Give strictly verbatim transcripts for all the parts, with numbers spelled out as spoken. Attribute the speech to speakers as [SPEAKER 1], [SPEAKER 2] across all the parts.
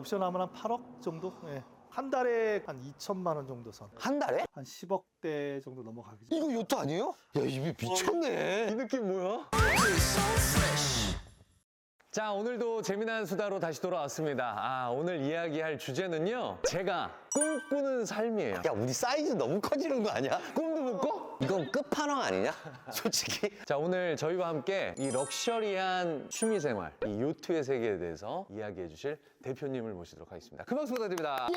[SPEAKER 1] 옵션하면 한 팔억 정도? 예. 한 달에 한 이천만 원 정도 선.
[SPEAKER 2] 한 달에?
[SPEAKER 1] 한 십억대 정도 넘어가겠죠.
[SPEAKER 2] 이거 요트 아니에요? 야, 이게 미쳤네. 이 느낌 뭐야?
[SPEAKER 3] 자, 오늘도 재미난 수다로 다시 돌아왔습니다. 아, 오늘 이야기할 주제는요, 제가 꿈꾸는 삶이에요.
[SPEAKER 2] 야, 우리 사이즈 너무 커지는 거 아니야? 꿈도 못 꿔? 이건 끝판왕 아니냐? 솔직히.
[SPEAKER 3] 자, 오늘 저희와 함께 이 럭셔리한 취미생활, 이 요트의 세계에 대해서 이야기해 주실 대표님을 모시도록 하겠습니다. 큰 박수 부탁드립니다.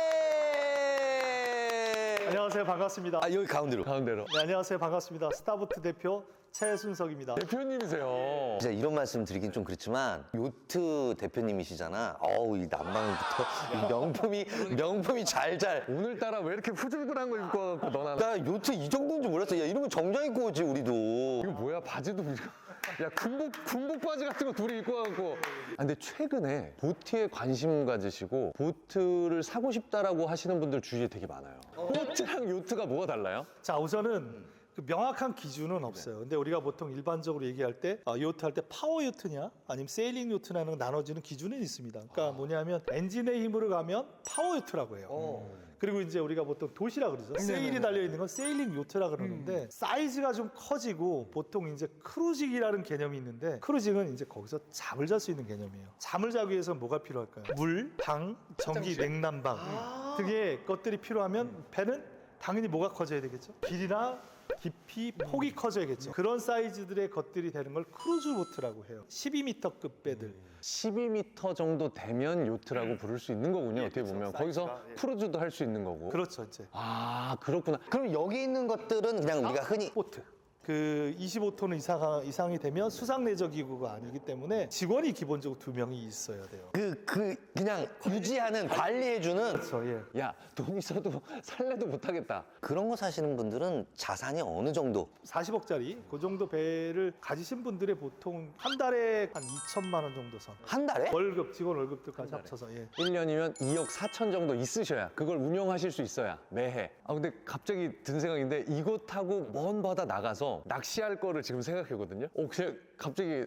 [SPEAKER 2] 예!
[SPEAKER 1] 안녕하세요. 반갑습니다.
[SPEAKER 2] 아, 여기 가운데로.
[SPEAKER 3] 가운데로.
[SPEAKER 1] 네, 안녕하세요. 반갑습니다. 스타보트 대표 최순석입니다.
[SPEAKER 3] 대표님이세요.
[SPEAKER 2] 진짜 이런 말씀 드리긴 좀 그렇지만 요트 대표님이시잖아. 어우, 이 난방부터 이 명품이 명품이 잘잘.
[SPEAKER 3] 오늘따라 왜 이렇게 후줄근한 거 입고 와갖고 너나.
[SPEAKER 2] 나 요트 이 정도인 줄 몰랐어. 야, 이러면 정장 입고 오지 우리도.
[SPEAKER 3] 이거 뭐야, 바지도. 야, 군복, 군복 바지 같은 거 둘이 입고 와갖고. 아, 근데 최근에 보트에 관심 가지시고 보트를 사고 싶다라고 하시는 분들 주위에 되게 많아요. 보트랑 요트가 뭐가 달라요?
[SPEAKER 1] 자, 우선은 그 명확한 기준은 없어요. 근데 우리가 보통 일반적으로 얘기할 때 아, 요트 할 때 파워 요트냐 아니면 세일링 요트냐는 나눠지는 기준은 있습니다. 그러니까 뭐냐면 엔진의 힘으로 가면 파워 요트라고 해요. 그리고 이제 우리가 보통 도시라 그러죠. 세일이 달려 있는 건 세일링 요트라 그러는데 사이즈가 좀 커지고 보통 이제 크루징이라는 개념이 있는데 크루징은 이제 거기서 잠을 잘 수 있는 개념이에요. 잠을 자기 위해서 뭐가 필요할까요? 물, 방, 전기, 냉난방 등의 것들이 필요하면 배는 당연히 뭐가 커져야 되겠죠? 길이나 깊이, 폭이 커져야겠죠. 그런 사이즈들의 것들이 되는 걸 크루즈 보트라고 해요. 십이 미터급 배들.
[SPEAKER 3] 십이 미터 정도 되면 요트라고 부를 수 있는 거군요. 어떻게 보면 거기서
[SPEAKER 1] 사이즈가, 예.
[SPEAKER 3] 크루즈도 할 수 있는 거고.
[SPEAKER 1] 그렇죠, 이제.
[SPEAKER 3] 아, 그렇구나.
[SPEAKER 2] 그럼 여기 있는 것들은 그냥 우리가 흔히
[SPEAKER 1] 보트. 그 이십오 톤 이상, 이상이 되면 수상 내적 기구가 아니기 때문에 직원이 기본적으로 두 명이 있어야 돼요.
[SPEAKER 2] 그, 그, 그냥 유지하는, 관리해주는
[SPEAKER 1] 그렇죠, 예.
[SPEAKER 3] 야, 돈 있어도 살래도 못하겠다.
[SPEAKER 2] 그런 거 사시는 분들은 자산이 어느 정도?
[SPEAKER 1] 사십억짜리 그 정도 배를 가지신 분들의 보통 한 달에 한 이천만 원 정도 선.
[SPEAKER 2] 한 달에?
[SPEAKER 1] 월급, 직원 월급들까지 합쳐서, 예.
[SPEAKER 3] 일 년이면 이억 사천 정도 있으셔야 그걸 운영하실 수 있어야 매해. 아, 근데 갑자기 든 생각인데 이거 타고 먼 바다 나가서 낚시할 거를 지금 생각하거든요. 어, 그냥 갑자기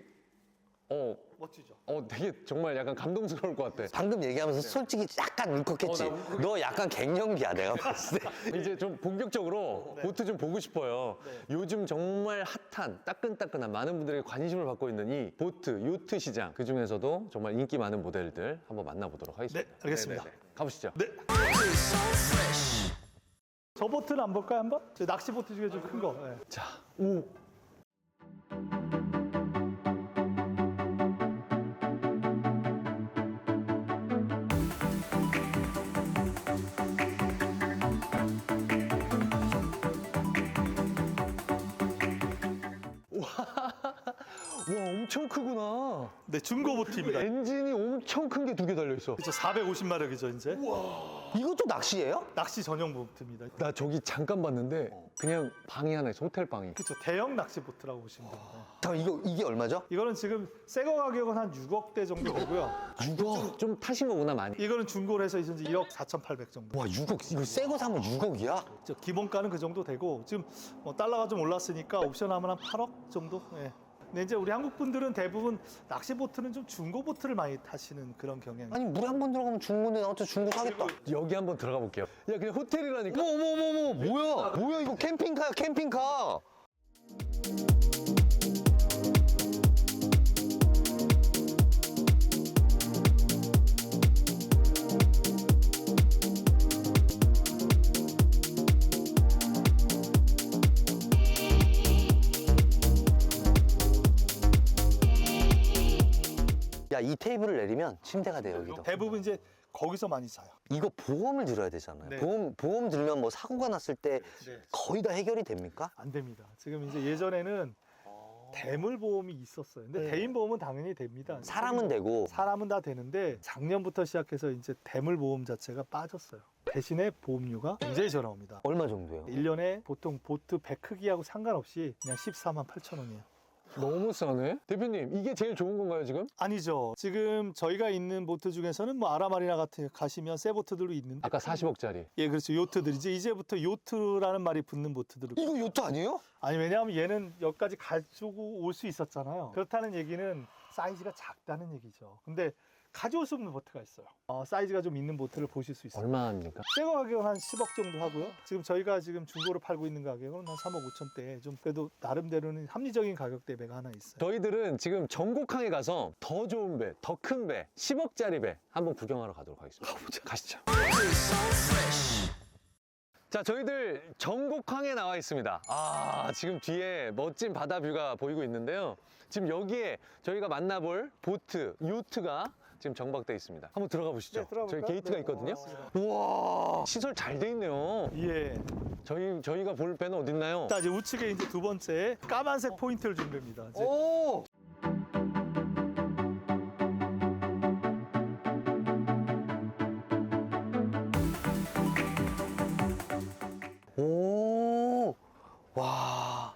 [SPEAKER 3] 어,
[SPEAKER 1] 멋지죠.
[SPEAKER 3] 어, 되게 정말 약간 감동스러울 것 같아.
[SPEAKER 2] 방금 얘기하면서 솔직히 약간 울컥했지?
[SPEAKER 3] 어, 나 울컥-
[SPEAKER 2] 너 약간 갱년기야, 내가 봤을 때.
[SPEAKER 3] 이제 좀 본격적으로 보트 좀 보고 싶어요. 요즘 정말 핫한 따끈따끈한 많은 분들에게 관심을 받고 있는 이 보트, 요트 시장 그 중에서도 정말 인기 많은 모델들 한번 만나보도록 하겠습니다.
[SPEAKER 1] 네, 알겠습니다.
[SPEAKER 3] 네네네. 가보시죠.
[SPEAKER 1] 네. 저 보트는 안 볼까요, 한번? 저 낚시 보트 중에 좀 큰 거. 예.
[SPEAKER 3] 자, 오. 와, 엄청 크구나.
[SPEAKER 1] 네, 중고 보트입니다.
[SPEAKER 3] 엔진이 엄청 큰 게 두 개 달려있어.
[SPEAKER 1] 그렇죠, 사백오십 마력이죠, 이제.
[SPEAKER 2] 이것도 낚시예요?
[SPEAKER 1] 낚시 전용 보트입니다.
[SPEAKER 3] 나 저기 잠깐 봤는데 그냥 방이 하나 있어, 호텔 방이.
[SPEAKER 1] 그렇죠, 대형 낚시 보트라고 보시면 됩니다.
[SPEAKER 2] 잠깐, 이거, 이게 얼마죠?
[SPEAKER 1] 이거는 지금 새거 가격은 한 육억대 정도 되고요.
[SPEAKER 2] 육억.
[SPEAKER 3] 좀 타신 거구나, 많이.
[SPEAKER 1] 이거는 중고로 해서 이제 일억 사천팔백 정도.
[SPEAKER 2] 와, 육억. 이거 새 거 사면 육억이야?
[SPEAKER 1] 저 기본가는 그 정도 되고 지금 뭐 달러가 좀 올랐으니까 옵션하면 한 팔억 정도. 예. 근데 이제 우리 한국 분들은 대부분 낚시 보트는 좀 중고 보트를 많이 타시는 그런 경향이.
[SPEAKER 2] 아니, 물에 한 번 들어가면 중고인데 나한테 중고 사겠다.
[SPEAKER 3] 여기 한번 들어가 볼게요. 야, 그냥 호텔이라니까?
[SPEAKER 2] 어머, 어머, 어머, 어머, 뭐야? 뭐야, 이거 캠핑카야, 캠핑카. 야, 이 테이블을 내리면 침대가 돼, 여기도.
[SPEAKER 1] 대부분 이제 거기서 많이 자요.
[SPEAKER 2] 이거 보험을 들어야 되잖아요.
[SPEAKER 1] 네.
[SPEAKER 2] 보험, 보험 들면 뭐 사고가 났을 때
[SPEAKER 1] 네.
[SPEAKER 2] 거의 다 해결이 됩니까?
[SPEAKER 1] 안 됩니다. 지금 이제 예전에는 대물 보험이 있었어요. 근데 대인 보험은 당연히 됩니다.
[SPEAKER 2] 사람은 되고.
[SPEAKER 1] 사람은 다 되는데 작년부터 시작해서 이제 대물 보험 자체가 빠졌어요. 대신에 보험료가 굉장히 저렴합니다.
[SPEAKER 2] 얼마 정도요?
[SPEAKER 1] 일 년에 보통 보트 배 크기하고 상관없이 그냥 십사만 팔천 원이에요.
[SPEAKER 3] 너무 싸네? 대표님, 이게 제일 좋은 건가요, 지금?
[SPEAKER 1] 아니죠. 지금 저희가 있는 보트 중에서는 뭐 아라마리나 같은 가시면 새 보트들도 있는데
[SPEAKER 3] 아까 사십억짜리.
[SPEAKER 1] 예, 그렇죠. 요트들이지. 이제부터 요트라는 말이 붙는 보트들을
[SPEAKER 2] 이거 요트 아니에요?
[SPEAKER 1] 아니 왜냐하면 얘는 여기까지 가지고 올 수 있었잖아요. 그렇다는 얘기는 사이즈가 작다는 얘기죠. 근데 가져올 수 없는 보트가 있어요. 어, 사이즈가 좀 있는 보트를 보실 수 있어요.
[SPEAKER 3] 얼마입니까?
[SPEAKER 1] 새거 가격은 한 십억 정도 하고요. 지금 저희가 지금 중고로 팔고 있는 가격은 한 삼억 오천대. 좀 그래도 나름대로는 합리적인 가격대 배가 하나 있어요.
[SPEAKER 3] 저희들은 지금 전곡항에 가서 더 좋은 배, 더 큰 배, 십억짜리 배 한번 구경하러 가도록 하겠습니다. 가보자. 가시죠. 자, 저희들 전곡항에 나와 있습니다. 아, 지금 뒤에 멋진 바다 뷰가 보이고 있는데요. 지금 여기에 저희가 만나볼 보트, 요트가 지금 정박되어 있습니다. 한번 들어가 보시죠.
[SPEAKER 1] 네, 들어가
[SPEAKER 3] 저희
[SPEAKER 1] 볼까요?
[SPEAKER 3] 게이트가
[SPEAKER 1] 네,
[SPEAKER 3] 있거든요.
[SPEAKER 1] 맞습니다.
[SPEAKER 3] 우와, 시설 잘 돼 있네요.
[SPEAKER 1] 예.
[SPEAKER 3] 저희, 저희가 볼 배는 어디 있나요?
[SPEAKER 1] 자, 이제 우측에 이제 두 번째 까만색 포인트를 준 겁니다. 이제
[SPEAKER 3] 오!
[SPEAKER 2] 오, 와.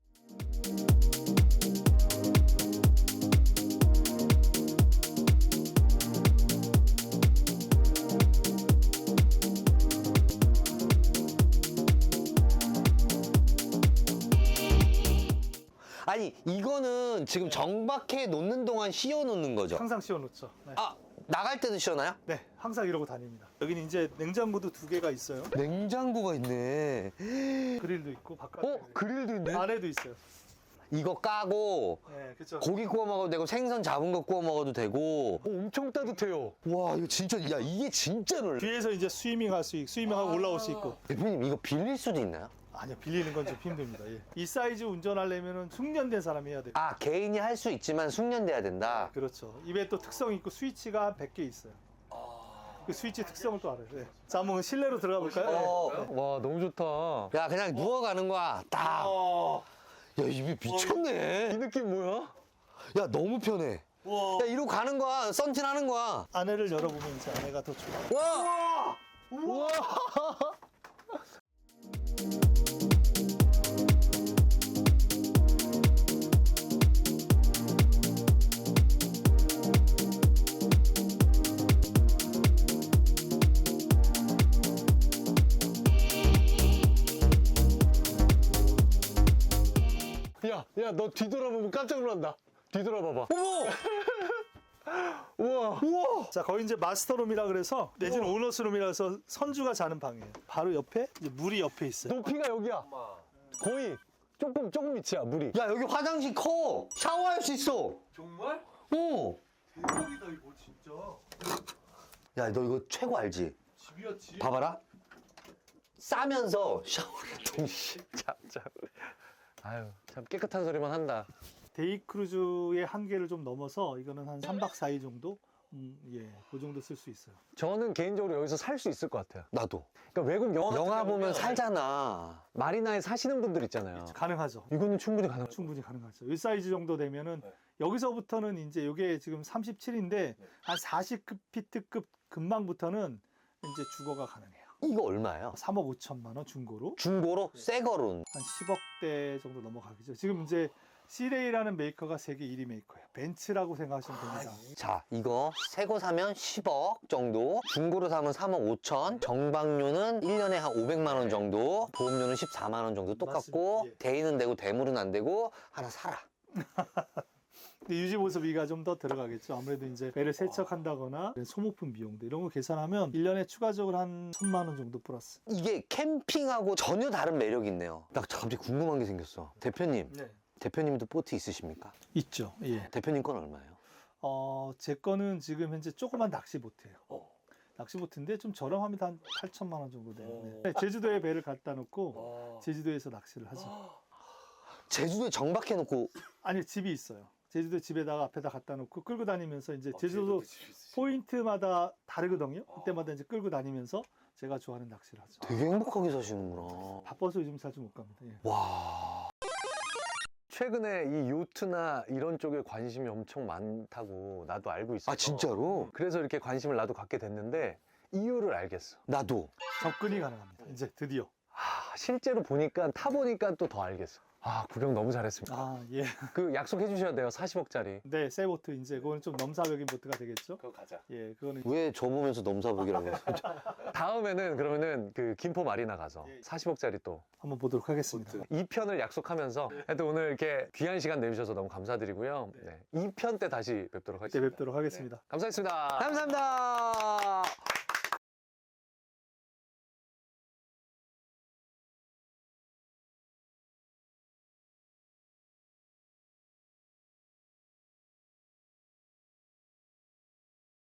[SPEAKER 2] 아니, 이거는 지금 정박해 놓는 동안 씌워 놓는 거죠?
[SPEAKER 1] 항상 씌워놓죠. 네.
[SPEAKER 2] 아, 나갈 때도 씌워놔요?
[SPEAKER 1] 네, 항상 이러고 다닙니다. 여기는 이제 냉장고도 두 개가 있어요.
[SPEAKER 2] 냉장고가 있네.
[SPEAKER 1] 그릴도 있고 바깥에
[SPEAKER 3] 어? 그릴도 있네?
[SPEAKER 1] 안에도 있어요.
[SPEAKER 2] 이거 까고
[SPEAKER 1] 네, 그렇죠.
[SPEAKER 2] 고기 구워 먹어도 되고 생선 잡은 거 구워 먹어도 되고.
[SPEAKER 3] 어, 엄청 따뜻해요.
[SPEAKER 2] 와, 이거 진짜, 야, 이게 진짜로.
[SPEAKER 1] 뒤에서 이제 스위밍 할 수 있고 스위밍하고 올라올 수 있고.
[SPEAKER 2] 대표님, 이거 빌릴 수도 있나요?
[SPEAKER 1] 아니요, 빌리는 건 좀 힘듭니다. 예. 이 사이즈 운전하려면 숙련된 사람이 해야 돼요.
[SPEAKER 2] 아, 개인이 할 수 있지만 숙련돼야 된다.
[SPEAKER 1] 그렇죠. 입에 또 특성이 있고 스위치가 한 백 개 있어요. 그 스위치 특성을 또 알아요. 네. 자, 한번 실내로 들어가 볼까요?
[SPEAKER 2] 어.
[SPEAKER 1] 네.
[SPEAKER 3] 와, 너무 좋다.
[SPEAKER 2] 야, 그냥 누워가는 거야. 딱.
[SPEAKER 1] 어.
[SPEAKER 2] 야, 이게 미쳤네.
[SPEAKER 3] 이 느낌 뭐야?
[SPEAKER 2] 야, 너무 편해. 야, 이러고 가는 거야. 썬팅 하는 거야.
[SPEAKER 1] 안에를 열어보면 이제 안에가 더 좋아요.
[SPEAKER 2] 와!
[SPEAKER 3] 우와! 야, 야, 너 뒤돌아보면 깜짝 놀란다. 뒤돌아봐봐.
[SPEAKER 2] 어머!
[SPEAKER 3] 우와.
[SPEAKER 2] 우와!
[SPEAKER 1] 자, 거기 이제 마스터룸이라 그래서 내지는 오너스룸이라 해서 선주가 자는 방이에요. 바로 옆에 이제 물이 옆에 있어요.
[SPEAKER 3] 높이가 여기야. 거의 조금, 조금 밑이야, 물이.
[SPEAKER 2] 야, 여기 화장실 커. 샤워할 수 있어.
[SPEAKER 1] 정말?
[SPEAKER 2] 어.
[SPEAKER 1] 대박이다 이거 진짜.
[SPEAKER 2] 야, 너 이거 최고 알지?
[SPEAKER 1] 집이었지.
[SPEAKER 2] 봐봐라. 싸면서 샤워를 동시에.
[SPEAKER 3] 참, 참. 아유, 참 깨끗한 소리만 한다.
[SPEAKER 1] 데이 크루즈의 한계를 좀 넘어서 이거는 한 삼 박 사 일 정도? 음, 예, 그 정도 쓸 수 있어요.
[SPEAKER 3] 저는 개인적으로 여기서 살 수 있을 것 같아요.
[SPEAKER 2] 나도.
[SPEAKER 3] 그러니까 외국 영화, 같은
[SPEAKER 2] 영화 보면
[SPEAKER 3] 경우는
[SPEAKER 2] 살잖아.
[SPEAKER 3] 마리나에 사시는 분들 있잖아요.
[SPEAKER 1] 가능하죠.
[SPEAKER 3] 이거는 충분히 가능.
[SPEAKER 1] 충분히 가능하죠. 이 사이즈 정도 되면은 여기서부터는 이제 이게 지금 삼십칠인데 한 사십 피트급 근방부터는 이제 주거가 가능해요.
[SPEAKER 2] 이거 얼마예요?
[SPEAKER 1] 삼억 오천만 원 중고로
[SPEAKER 2] 중고로? 새 거로는?
[SPEAKER 1] 한 십억대 정도 넘어가겠죠. 지금 이제 시레이라는 메이커가 세계 일 위 메이커예요. 벤츠라고 생각하시면 됩니다.
[SPEAKER 2] 자, 이거 새 거 사면 십억 정도, 중고로 사면 삼억 오천, 정박료는 일 년에 한 오백만 원 정도, 보험료는 십사만 원 정도 똑같고,
[SPEAKER 1] 맞습니다. 예.
[SPEAKER 2] 대인은 되고 대물은 안 되고, 하나 사라.
[SPEAKER 1] 근데 유지 보수비가 좀 더 들어가겠죠. 아무래도 이제 배를 세척한다거나 소모품 비용도 이런 거 계산하면 일 년에 추가적으로 한 천만 원 정도 플러스.
[SPEAKER 2] 이게 캠핑하고 전혀 다른 매력이 있네요. 나 갑자기 궁금한 게 생겼어. 대표님,
[SPEAKER 1] 네.
[SPEAKER 2] 대표님도 보트 있으십니까?
[SPEAKER 1] 있죠. 예.
[SPEAKER 2] 대표님 건 얼마예요?
[SPEAKER 1] 어, 제 거는 지금 현재 조그만 낚시 보트예요.
[SPEAKER 2] 어.
[SPEAKER 1] 낚시 보트인데 좀 저렴하면 한 팔천만 원 정도 돼요. 네. 제주도에 배를 갖다 놓고 제주도에서 낚시를 하죠.
[SPEAKER 2] 제주도에 정박해놓고
[SPEAKER 1] 아니, 집이 있어요. 제주도 집에다가 앞에다 갖다 놓고 끌고 다니면서 이제 제주도 포인트마다 다르거든요. 그때마다 이제 끌고 다니면서 제가 좋아하는 낚시를 하죠.
[SPEAKER 2] 되게 행복하게 사시는구나.
[SPEAKER 1] 바빠서 요즘 자주 못 갑니다. 예.
[SPEAKER 2] 와.
[SPEAKER 3] 최근에 이 요트나 이런 쪽에 관심이 엄청 많다고 나도 알고 있어.
[SPEAKER 2] 아, 진짜로?
[SPEAKER 3] 그래서 이렇게 관심을 나도 갖게 됐는데 이유를 알겠어.
[SPEAKER 2] 나도.
[SPEAKER 1] 접근이 가능합니다. 이제 드디어.
[SPEAKER 3] 아, 실제로 보니까 타보니까 또 더 알겠어. 아, 구경 너무 잘했습니다.
[SPEAKER 1] 아, 예.
[SPEAKER 3] 그 약속해 주셔야 돼요. 사십억짜리.
[SPEAKER 1] 네, 새 보트 이제 그거는 좀 넘사벽인 보트가 되겠죠?
[SPEAKER 3] 그거 가자.
[SPEAKER 1] 예, 그거는
[SPEAKER 2] 왜 저 보면서 넘사벽이라고 해요?
[SPEAKER 3] 다음에는 그러면은 그 김포 마리나 가서 사십억짜리 또
[SPEAKER 1] 한번 보도록 하겠습니다.
[SPEAKER 3] 이 편을 약속하면서 하여튼 오늘 이렇게 귀한 시간 내주셔서 너무 감사드리고요. 네. 이 편 때 다시 뵙도록
[SPEAKER 1] 그때
[SPEAKER 3] 하겠습니다.
[SPEAKER 1] 뵙도록 하겠습니다.
[SPEAKER 3] 감사했습니다.
[SPEAKER 2] 감사합니다.